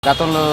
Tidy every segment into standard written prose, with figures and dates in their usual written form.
గతంలో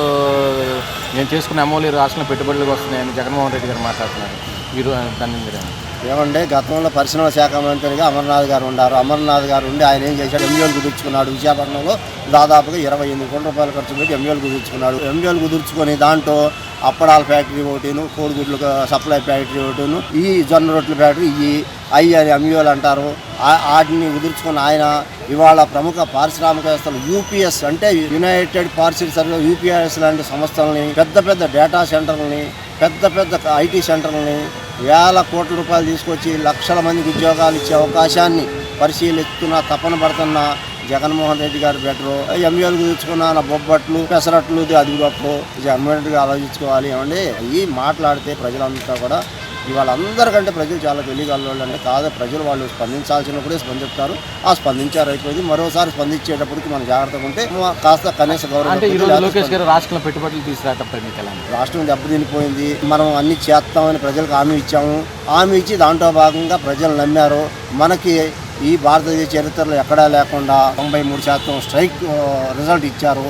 నేను చేసుకున్న అమౌలు రాష్ట్రంలో పెట్టుబడులకు వస్తున్నాయని జగన్మోహన్ రెడ్డి గారు మాట్లాడుతున్నారు. మీరు దాన్ని ఏమంటే గతంలో పరిశ్రమల శాఖ మంత్రిగా అమర్నాథ్ గారు ఉన్నారు. అమర్నాథ్ గారు ఉండి ఆయన ఏం చేశాడు, ఎంయూఎల్ కుదుర్చుకున్నాడు. విశాఖపట్నంలో దాదాపుగా 28 కోట్ల రూపాయలు ఖర్చు పెట్టి ఎంయూఎల్ కుదుర్చుకున్నాడు. ఎంయూఎల్ కుదుర్చుకొని దాంట్లో అప్పడాల ఫ్యాక్టరీ ఒకటిను, కోడిగుడ్లు సప్లై ఫ్యాక్టరీ ఒకటిను, ఈ జొన్న రొట్టెల ఫ్యాక్టరీ ఈ అని ఎంయూఎల్ అంటారు. వాటిని కుదుర్చుకున్న ఆయన ఇవాళ ప్రముఖ పారిశ్రామికవేత్తలు యూపీఎస్ అంటే యునైటెడ్ పార్సిల్ సర్వీస్ యూపీఎస్ లాంటి సంస్థలని, పెద్ద పెద్ద డేటా సెంటర్లని, పెద్ద పెద్ద ఐటీ సెంటర్లని వేల కోట్ల రూపాయలు తీసుకొచ్చి లక్షల మందికి ఉద్యోగాలు ఇచ్చే అవకాశాన్ని పరిశీలిస్తున్న తపన పడుతున్న జగన్మోహన్ రెడ్డి గారు బెటరు. ఎంయూఎల్ కుదుర్చుకున్న బొబ్బట్లు పెసరట్లు అది గొప్ప. జగన్మోహన్ రెడ్డి ఆలోచించుకోవాలి. ఏమండి ఈ మాట్లాడితే ప్రజలంతా కూడా ఇవాళ అందరికంటే ప్రజలు చాలా తెలియగలవాళ్ళు. అంటే కాదు, ప్రజలు వాళ్ళు స్పందించాల్సినప్పుడే స్పందిస్తారు. ఆ స్పందించారు అయిపోయింది. మరోసారి స్పందించేటప్పటికి మనం జాగ్రత్తగా ఉంటే కాస్త కనీస గౌరవం. రాష్ట్రంలో పెట్టుబడులు తీసుకురావడం రాష్ట్రం దెబ్బతినిపోయింది. మనం అన్ని చేస్తామని ప్రజలకు హామీ ఇచ్చాము. హామీ ఇచ్చి దాంట్లో భాగంగా ప్రజలు నమ్మారు. మనకి ఈ భారతదేశ చరిత్రలో ఎక్కడా లేకుండా 93% స్ట్రైక్ రిజల్ట్ ఇచ్చారు.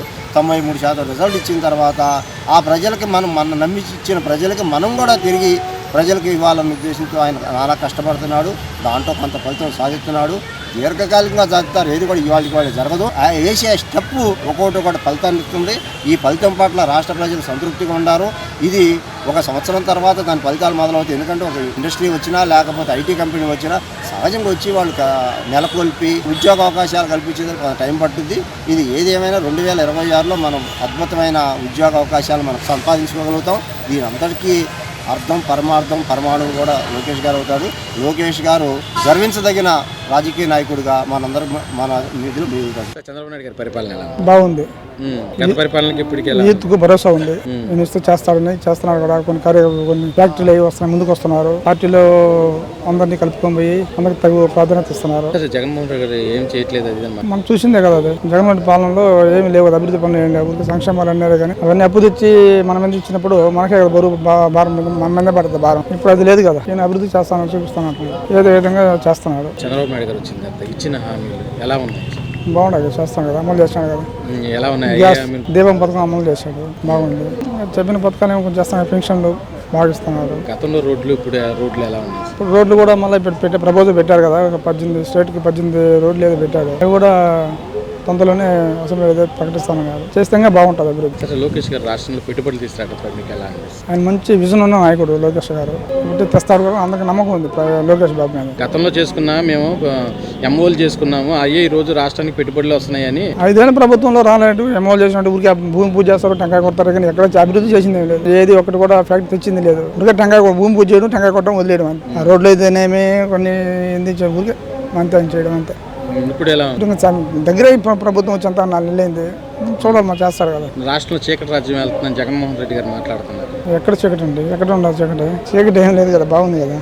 93% రిజల్ట్ ఇచ్చిన తర్వాత ఆ ప్రజలకి మనం నమ్మి ఇచ్చిన ప్రజలకి మనం కూడా తిరిగి ప్రజలకు ఇవ్వాలన్న ఉద్దేశంతో ఆయన చాలా కష్టపడుతున్నాడు. దాంట్లో కొంత ఫలితం సాధిస్తున్నాడు. దీర్ఘకాలికంగా సాధిస్తారు. ఏది కూడా ఇవాళ జరగదు. వేసే స్టెప్ ఒక్కొక్కటి ఫలితాన్ని ఇస్తుంది. ఈ ఫలితం పట్ల రాష్ట్ర ప్రజలు సంతృప్తిగా ఉన్నారు. ఇది 1 సంవత్సరం తర్వాత దాని ఫలితాలు మొదలవుతాయి. ఎందుకంటే ఒక ఇండస్ట్రీ వచ్చినా లేకపోతే ఐటీ కంపెనీ వచ్చినా సహజంగా వచ్చి వాళ్ళు నెలకొల్పి ఉద్యోగ అవకాశాలు కల్పించేందుకు కొంత టైం పట్టుద్ది. ఇది ఏదేమైనా 2026లో మనం అద్భుతమైన ఉద్యోగ అవకాశాలు మనం సంపాదించుకోగలుగుతాం. దీని అందరికీ అర్థం పరమార్థం పరమాణువు కూడా లోకేష్ గారు అవుతారు. లోకేష్ గారు గర్వించదగిన రాజకీయ నాయకుడిగా మనందరూ మన నిధులు మిగులుతారు. చంద్రబాబు నాయుడు గారి పరిపాలన బాగుంది. పరిపాలనకి ఇప్పటికే యూత్కు భరోసా ఉంది. నేను ఇస్తూ చేస్తున్నారు కూడా. కొన్ని ఫ్యాక్టరీలు అవి వస్తున్నాయి, ముందుకు వస్తున్నారు. పార్టీలో అందరినీ కలుపుకొని పోయి అందరికి తగు ప్రాధాన్యత ఇస్తున్నారు. జగన్మోహన్ రెడ్డి గారు ఏం చేయట్లేదు. మనం చూసిందే కదా, అది జగన్మోహన్ పాలనలో ఏమి లేవు. అభివృద్ధి పనులు ఏం లేవు. సంక్షేమాలు అన్నారు కానీ అవన్నీ అప్పు తెచ్చి మన మీద ఇచ్చినప్పుడు మనకే బరువు భారం మన మీద పడుతుంది భారం. ఇప్పుడు అది లేదు కదా. నేను అభివృద్ధి చేస్తాను చూపిస్తాను ఏదో విధంగా చేస్తున్నాడు. చంద్రబాబు నాయుడు గారు వచ్చింది ఇచ్చిన హామీలు ఎలా ఉన్నాయి? బాగుండదు, చేస్తాను కదా, అమలు చేస్తాను కదా. ఎలా ఉన్నాయి? దీపం పథకం అమలు చేశాడు, బాగుంది. చెప్పిన పథకాలు ఏమో కొంచెం చేస్తాను. పెన్షన్లు బాగా ఇస్తున్నారు. గతంలో రోడ్లు ఇప్పుడు రోడ్లు ఎలా ఉన్నాయి? ఇప్పుడు రోడ్లు కూడా మళ్ళీ ప్రపోజల్ పెట్టారు కదా. 18 స్టేట్కి 18 రోడ్లు ఏదో పెట్టారు. అవి కూడా తొందరలోనే అసెంబ్లీ ఏదో ప్రకటిస్తాను కదా. చేస్తే బాగుంటుంది అభివృద్ధి. లోకేష్ గారు రాష్ట్రంలో పెట్టుబడులు తీసుకురావడం మీకు ఎలా అనిపిస్తుంది? ఆయన మంచి విజన్ ఉన్న నాయకుడు లోకేష్ గారు. తెస్తాడు కూడా, అందరికి నమ్మకం ఉంది లోకేష్ బాబు మీద. గతంలో చేసుకున్నా మేము ఎంఓలు చేసుకున్నాము, అయ్యే ఈ రోజు రాష్ట్రానికి పెట్టుబడులు వస్తున్నాయని. 5 ఏళ్ళ ప్రభుత్వంలో రాలేదు. ఎంఓలు చేసినట్టు ఊరికి భూమి పూజ చేస్తారు, టెంకాయ కొడతారు. కానీ ఎక్కడ అభివృద్ధి చేసింది లేదు. ఏది ఒకటి కూడా ఫ్యాక్టరీ తెచ్చింది లేదు. ఊరికే టెంకాయ భూమి పూజ చేయడం, టెంకాయ కొట్టడం, వదిలేయడం అంతే. ఆ రోడ్లు అయితేనేమి కొన్ని ఊరికే అంతే చేయడం అంతే. ఇప్పుడు ఎలా దగ్గర ప్రభుత్వం వచ్చేంత 4 నెలలైంది. చూడాలి, మా చేస్తారు కదా. రాష్ట్రంలో చీకటి రాజ్యం వెళ్తుందని జగన్మోహన్ రెడ్డి గారు మాట్లాడుతున్నారు. ఎక్కడ చీకటి అండి? ఎక్కడ ఉండదు చీకటి? చీకటి ఏం లేదు కదా, బాగుంది కదా.